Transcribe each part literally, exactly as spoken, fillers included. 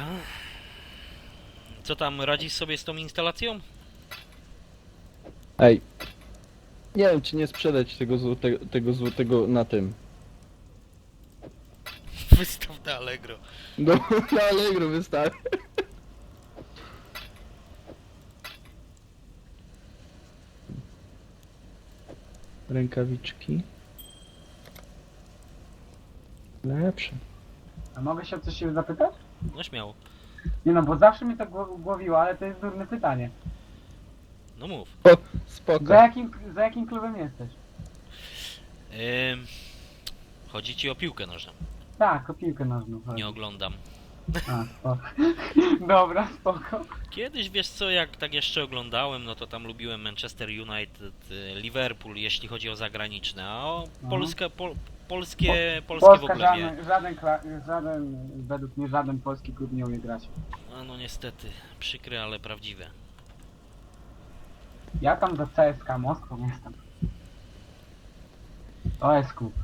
Co tam, radzisz sobie z tą instalacją? Ej. Nie wiem, czy nie sprzedać tego złotego, tego złotego na tym. Wystaw na Allegro. No, na Allegro wystawię. Rękawiczki. Lepsze. A mogę się o coś się zapytać? No śmiało. Nie no, bo zawsze mi to gło- głowiło, ale to jest durne pytanie. No mów. O, Za spoko. jakim, za jakim klubem jesteś? Ym, chodzi ci o piłkę nożną. Tak, o piłkę nożną. chodzi. Nie oglądam. A, spoko. Dobra, spoko. Kiedyś, wiesz co, jak tak jeszcze oglądałem, no to tam lubiłem Manchester United, y, Liverpool, jeśli chodzi o zagraniczne, a o Mhm. Polskę, pol, polskie, polskie w Polska ogóle nie. żaden, żaden, kla- żaden, według mnie żaden polski klub nie umie grać. A no niestety, przykre, ale prawdziwe. Ja tam do C S K Moskwą jestem. To jest klub.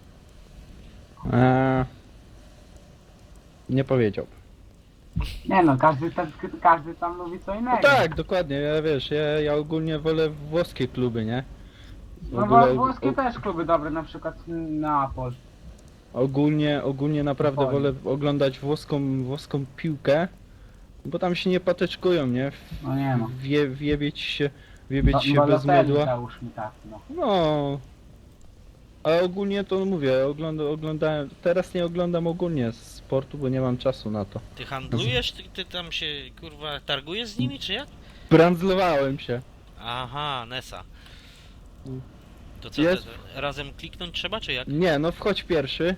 Eee, nie powiedział. Nie no, każdy, tam- każdy tam lubi co No innego. tak, dokładnie, ja wiesz, ja, ja ogólnie wolę włoskie kluby, nie? W No ogóle- bo włoskie o- też kluby dobre, na przykład Neapol. Ogólnie, ogólnie naprawdę Dokładnie. wolę oglądać włoską, włoską piłkę, bo tam się nie patyczkują, nie? No nie no. Wie, wiebieć się, wiebieć Ba- się bez Balotelli mydła. załóż mi tak, no. No. Ale ogólnie to mówię, ogląda, oglądałem, teraz nie oglądam ogólnie sportu, bo nie mam czasu na to. Ty handlujesz? Ty, ty tam się, kurwa, targujesz z nimi, czy jak? Brandzlowałem się. Aha, Nesa. Mm. To co, Jest. te, razem kliknąć trzeba, czy jak? Nie, no wchodź pierwszy,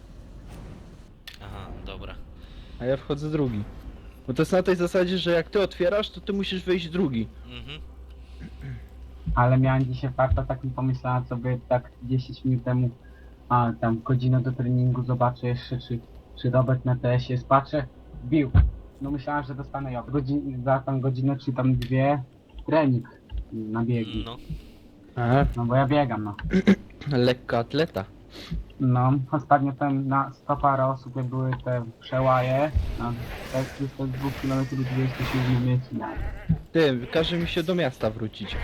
Aha, dobra. a ja wchodzę drugi. Bo to jest na tej zasadzie, że jak ty otwierasz, to ty musisz wejść drugi. Mhm. Ale miałem dzisiaj farta, tak mi pomyślałem sobie tak dziesięć minut temu, a tam godzinę do treningu zobaczę jeszcze, czy, czy Robert na T S ie jest, patrzę, bił. No myślałem, że dostanę ja. Godzin, za tam godzinę czy tam dwie trening na biegi. No. Aha, No bo ja biegam, no. lekka atleta. No, ostatnio tam na sto parę osób, jak były te przełaje, na te dwa kilometrów dwieście siedem miejsc. No. Ty, każe mi się do miasta wrócić.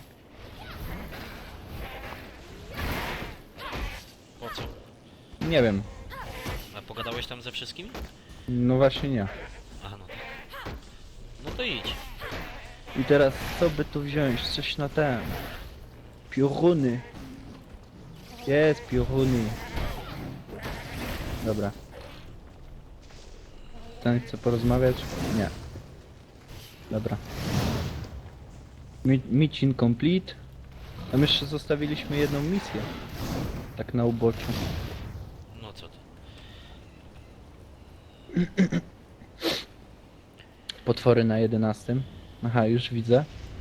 Po co? Nie wiem, A pogadałeś tam ze wszystkimi? no właśnie nie. Aha, no tak. No to idź. I teraz co by tu wziąć? Coś na ten. Pioruny. Jest pioruny. Dobra. Ten chce porozmawiać? Nie. Dobra. Mi mission complete. Tam jeszcze zostawiliśmy jedną misję. Tak na uboczu. No co ty. Potwory na jedenastym. Aha, już widzę.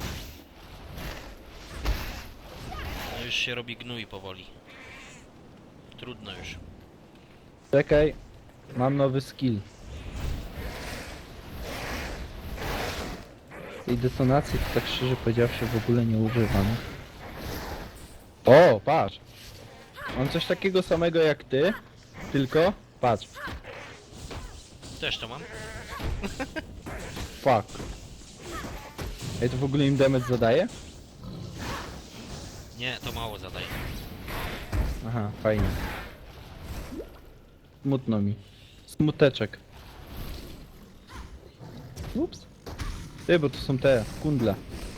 No już się robi gnój powoli. Trudno już. Czekaj. Mam nowy skill. Tej detonacji to tak szczerze powiedziawszy w ogóle nie używam. O, patrz! Mam coś takiego samego jak ty, tylko patrz. Też to mam. Fuck. Ej, to w ogóle im damage zadaje? Nie, to mało zadaje. Aha, fajnie. Smutno mi. Smuteczek. Ups. Ty, bo to są te kundle.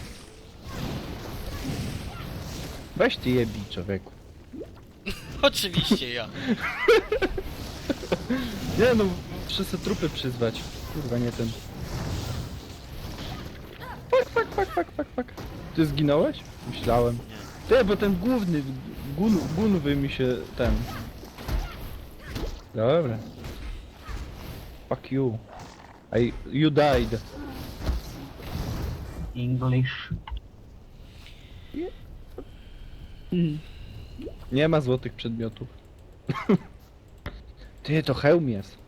Weź ty je bij, człowieku. Oczywiście ja. Nie no, wszyscy trupy przyzwać. Kurwa, nie ten. Fuck, fuck, fuck, fuck, fuck, fuck. Ty zginąłeś? Myślałem. Nie. Ty, bo ten główny, gun, gunwy mi się ten... Dobra. Fuck you. I, you died. English. Nie ma złotych przedmiotów. Ty, to hełm jest.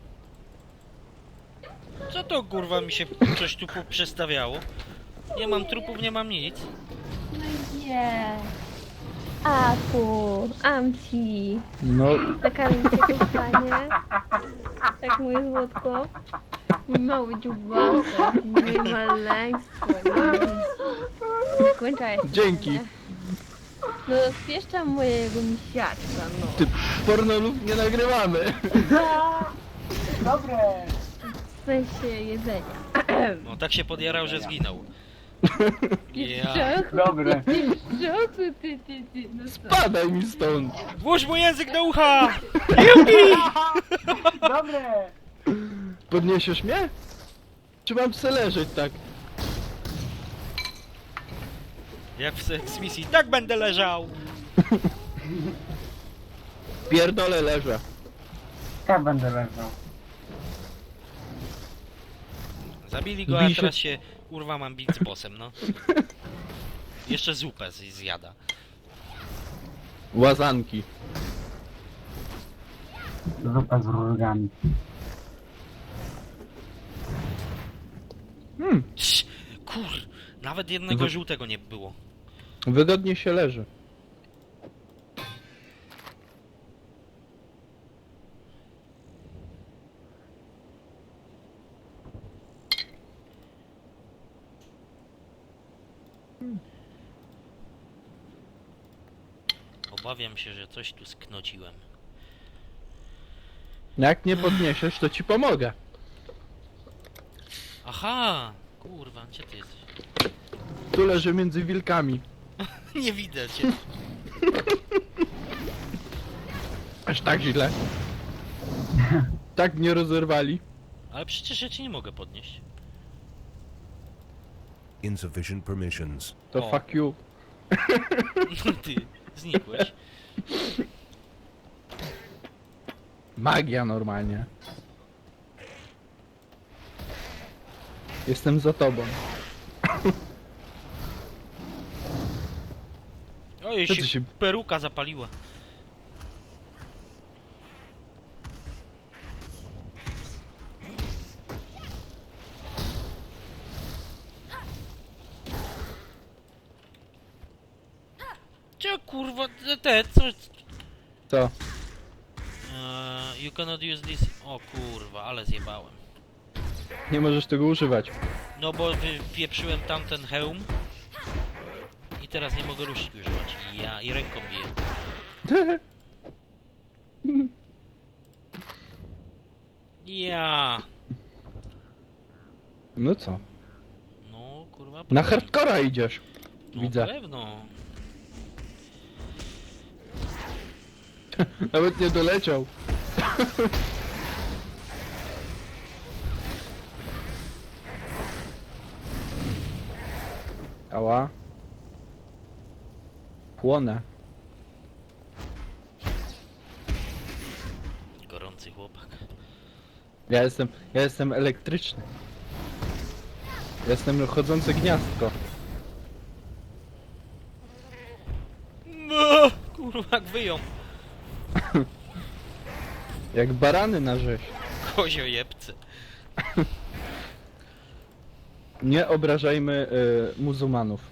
Co to kurwa mi się coś tu przestawiało? Nie mam trupów, nie mam nic. No nie. Aku, Amci, No, taka mi się tu stanie. Tak moje złotko. Mój mały dziubasek, moje maleństwo. Zakończaj. Dzięki. No spieszczam mojego misiaczka, no. Ty, pornolów nie nagrywamy. Dobre! W sensie jedzenia. No tak się podjarał, że zginął. Ja. Grzechu, Dobre. grzechu, ty, ty, ty, no co? Padaj mi stąd. Włóż mu język do ucha! Dobre! Podniesiesz mnie? Czy mam se leżeć tak? Jak w Sex misji, tak będę leżał! Pierdolę leżę. Tak będę leżał. Zabili go, a Bij się- teraz się, kurwa, mam bić z bossem, no. Jeszcze zupę z- zjada. Łazanki. Zupa z rurgami. Hmm, Cii, kur... Nawet jednego Wy- żółtego nie było. wygodnie się leży. Obawiam się, że coś tu sknociłem. Jak nie podniesiesz, to ci pomogę. Aha! Kurwa, gdzie ty jesteś? Tu leży między wilkami. Nie widzę cię. Aż tak źle. Tak mnie rozerwali. Ale przecież ja cię nie mogę podnieść. Insufficient permissions. To O. fuck you. Ty, znikłeś. Magia normalnie. Jestem za tobą. Oj, Co się, ty się- peruka zapaliła. Cio kurwa, te, te co? Co? Uh, you cannot use this. O kurwa, ale zjebałem. Nie możesz tego używać. No bo wypieprzyłem tamten hełm. I teraz nie mogę ruszki używać. Ja i ręką biję. Ja. No co? No kurwa. Na powiem. hardcora idziesz. No, Widzę. pewno. Nawet nie doleciał. Ała. Płonę. Gorący chłopak. Ja jestem, ja jestem elektryczny. Jestem chodzące gniazdko. No, kurwa, jak wyją. Jak barany na rzeź. Koziojebce. Nie obrażajmy y, muzułmanów.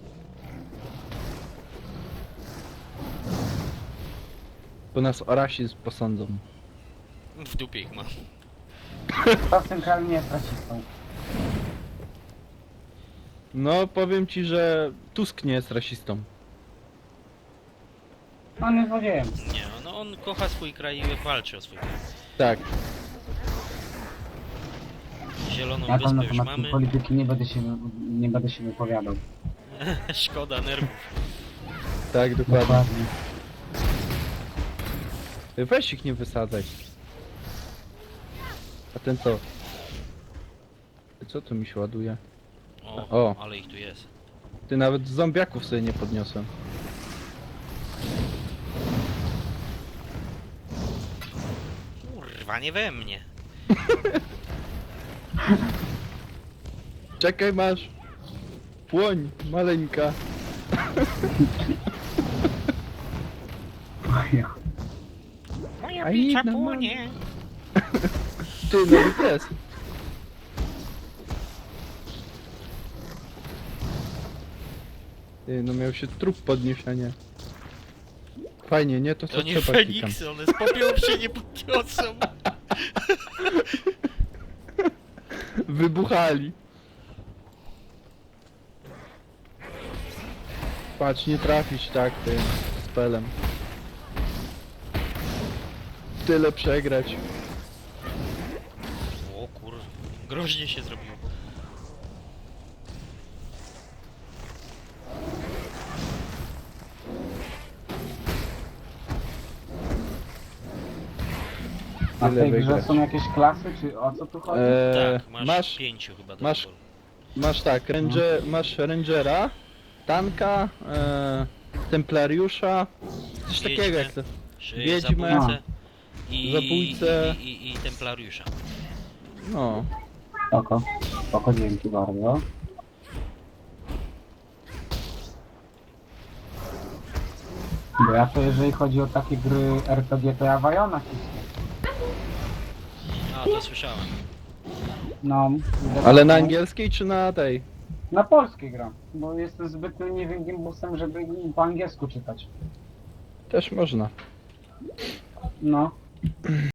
Bo nas o rasizm posądzą. W dupie ich mam. To w tym kraju nie jest rasistą. No, powiem ci, że Tusk nie jest rasistą. On jest złodziejem. Nie, no on kocha swój kraj i walczy o swój kraj. Tak. Zieloną Ja tam na wyspę już temat mamy. tej polityki nie będę się, nie będę się wypowiadał. Szkoda nerwów. Tak, dokładnie. Dokładnie. Weź ich nie wysadzaj. A ten co? Co tu mi się ładuje? O, O. ale ich tu jest. Ty nawet zombiaków sobie nie podniosłem. Kurwa, nie we mnie. Czekaj, masz. Płoń, maleńka. Ojo. Moja A picza jedna płonie. Ty, nawet jest. Ty, no miał się trup podnieść, a nie. Fajnie, nie? To co To nie trzeba klikam. Feniksy, one z popiołu się nie podniosą. wybuchali. Patrz, nie trafić tak tym spelem. Tyle przegrać. O kur... groźnie się zrobiło. A w Tyle tej grze wygrać. są jakieś klasy, czy o co tu chodzi? Eee, Tak, masz, masz, pięciu chyba do masz- wyboru. masz tak, ranger, masz rangera, tanka, e, templariusza, coś Wiedźmę. takiego jak to. Czy Wiedźmę. zabójcę i, Zabójcę. I, i, i templariusza. No, Spoko, spoko, dzięki bardzo. Bo ja to jeżeli chodzi o takie gry R P G, to ja Wajona cisnę. A, to słyszałem. No. ale na angielskiej czy na tej? Na polskiej gram, bo jestem zbyt leniwym gimbusem, żeby po angielsku czytać. Też można. No.